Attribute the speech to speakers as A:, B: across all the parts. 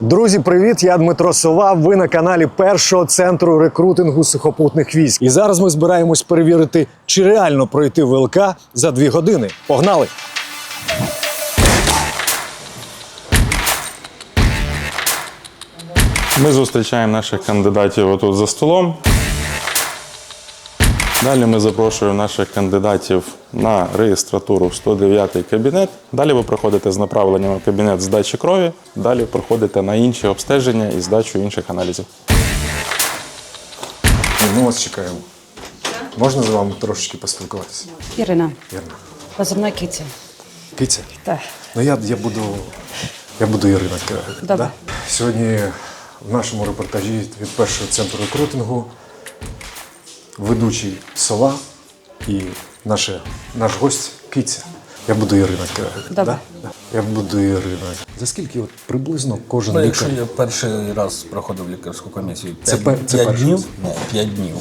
A: Друзі, привіт! Я Дмитро Сова. Ви на каналі Першого центру рекрутингу сухопутних військ. І зараз ми збираємось перевірити, чи реально пройти ВЛК за 2 години. Погнали!
B: Ми зустрічаємо наших кандидатів отут за столом. Далі ми запрошуємо наших кандидатів на реєстратуру в 109-й кабінет. Далі ви проходите з направленням в кабінет здачі крові. Далі проходите на інші обстеження і здачу інших аналізів.
A: Ми вас чекаємо. Можна з вами трошечки поспілкуватися?
C: Ірина,
A: Ірина.
C: позивна Кіця.
A: Киця?
C: Так.
A: Ну я буду Ірина.
C: Добре.
A: Да? Сьогодні в нашому репортажі від Першого центру рекрутингу ведучий Сова і наш гость Киця. Я буду Ірина.
C: Добре.
A: Да? Я буду Ірина. За скільки от приблизно кожен
D: Ну,
A: лікар?
D: якщо я перший раз проходив лікарську комісію,
A: Це
D: 5
A: перший
D: днів,
A: раз?
D: ні, 5 днів.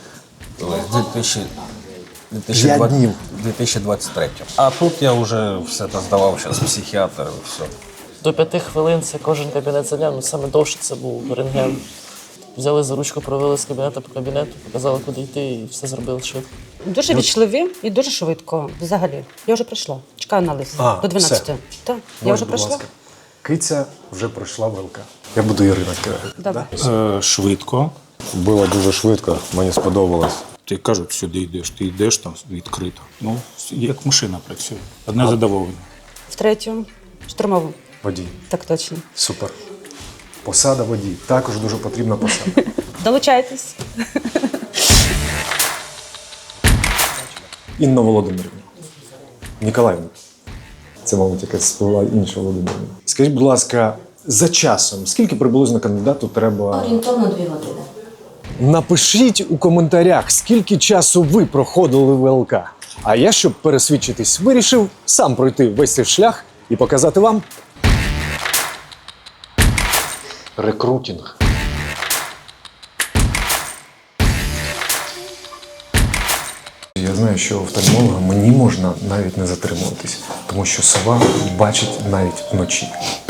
A: П'ять днів?
D: 2023. А тут я вже все це здавав, зараз психіатр і все.
E: До 5 хвилин це кожен кабінет зайняв, ну саме довше це був рентген. Взяли за ручку, провели з кабінету по кабінету, показали, куди йти, і все зробили швидко.
C: Дуже вічливі і дуже швидко. Взагалі. Я вже прийшла. Чекаю на лист. До 12.
A: все.
C: Так, я вже
A: Будь
C: прийшла.
A: ласка. Киця вже пройшла ВЛК. Я буду Ірина.
C: Добре.
F: Швидко.
G: Було дуже швидко, мені сподобалось.
F: Ти кажуть, сюди йдеш, ти йдеш там відкрито. Ну, як машина працює. Одне задоволення.
C: В третю штурмову.
A: Водій.
C: Так точно.
A: Супер. Посада водій. Також дуже потрібна посада.
C: Долучайтесь.
A: Інна Володимирівна. Ніколаївна. Це, мабуть, якась була інша Володимирівна. Скажіть, будь ласка, за часом, скільки приблизно кандидату треба?
H: Орієнтовно 2 години.
A: Напишіть у коментарях, скільки часу ви проходили ВЛК. А я, щоб пересвідчитись, вирішив сам пройти весь цей шлях і показати вам рекрутинг. Я знаю, що у офтальмолога мені можна навіть не затримуватись, тому що сова бачить навіть вночі.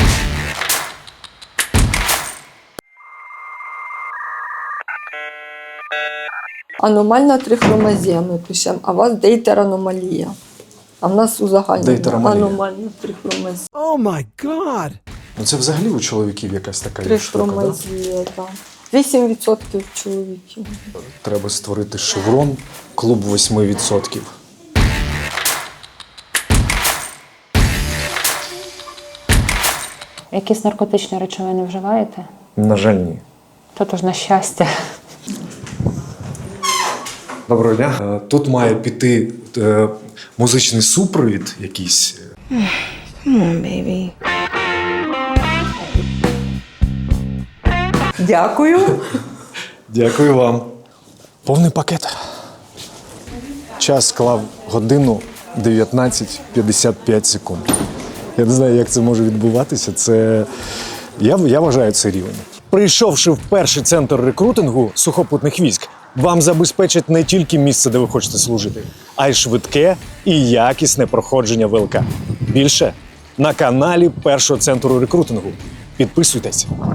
I: Аномальна трихромазія ми пишемо, а у вас дейтераномалія. А в нас узагальнена
A: Дейтераномалія.
I: аномальна трихромазія.
A: Ну це взагалі у чоловіків якась така є штука, да?
I: Трихромазія, так. 8% чоловіків.
A: Треба створити шеврон, клуб 8%.
J: Якісь наркотичні речовини вживаєте?
A: На жаль, ні.
J: Тут уж на щастя.
A: Доброго дня. Тут має піти музичний супровід якийсь.
I: Дякую.
A: Дякую вам. Повний пакет. Час склав годину 19:55 секунд. Я не знаю, як це може відбуватися. Я вважаю це рівень. Прийшовши в перший центр рекрутингу сухопутних військ, вам забезпечать не тільки місце, де ви хочете служити, а й швидке і якісне проходження ВЛК. Більше на каналі Першого центру рекрутингу. Підписуйтесь.